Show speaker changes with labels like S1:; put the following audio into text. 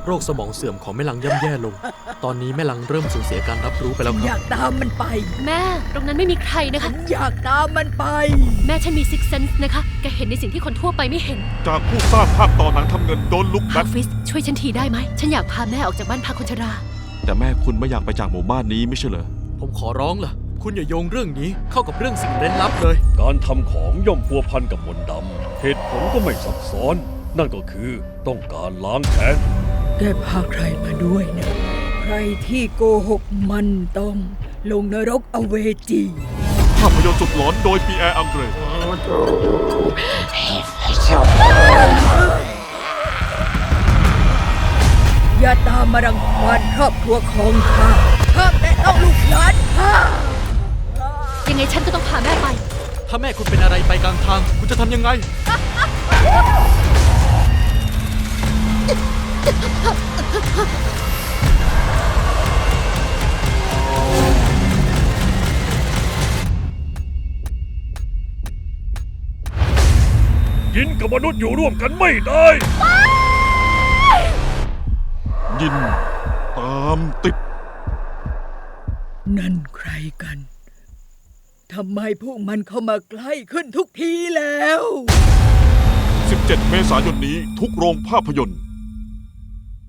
S1: โรคสมองเสื่อมของแม่ลังย่ำแย่ลง ตอนนี้แม่ลังเริ่มสูญเสียการรับรู้ไปแล้วค
S2: อ
S1: รับ
S2: ยากตามมันไป
S3: แม่ตรงนั้นไม่มีใครนะคะ
S2: อยากตามมันไป
S3: แม่ฉันมีซิกเซนส์นะคะแกเห็นในสิ่งที่คนทั่วไปไม่เห็น
S4: จากผู้สร้างภาพต่อหนังทำเงินโดนลุก
S3: ฮา
S4: นัด
S3: ฟิสช่วยฉันทีได้ไหมฉันอยากพาแม่ออกจากบ้านพักคนชรา
S5: แต่แม่คุณไม่อยากไปจากหมู่บ้านนี้ไม่ใช่เหรอ
S1: ผมขอร้องล่ะ คุณอย่าโยงเรื่องนี้เข้ากับเรื่องสิ่งเร้นลับเลย
S6: การทำของย่อมพัวพันกับมนต์ดำ เหตุผลก็ไม่ซับซ้อน นั่นก็คือต้องการล้างแค้น
S2: แกพาใครมาด้วยนะ ใครที่โกหกมันต้องลงนรกอเวจี
S4: ภาพยนตร์สุดหลอนโดยปีแอร์อังเกร
S2: อย่าตามมารังควานครอบครัวของข้าห้ามแต่ต้องลูกหลานข้า
S3: ยังไงฉันก็ต้องพาแม่ไป
S1: ถ้าแม่คุณเป็นอะไรไปกลางทาง คุณจะทำยังไง
S6: ยินกับมนุษย์อยู่ร่วมกันไม่ได้
S4: ยินตามติด
S2: นั่นใครกัน ทำไมพวกมันเข้ามาใกล้ขึ้นทุกทีแล้ว
S4: 17 เมษายนนี้ทุกโรงภาพยนตร์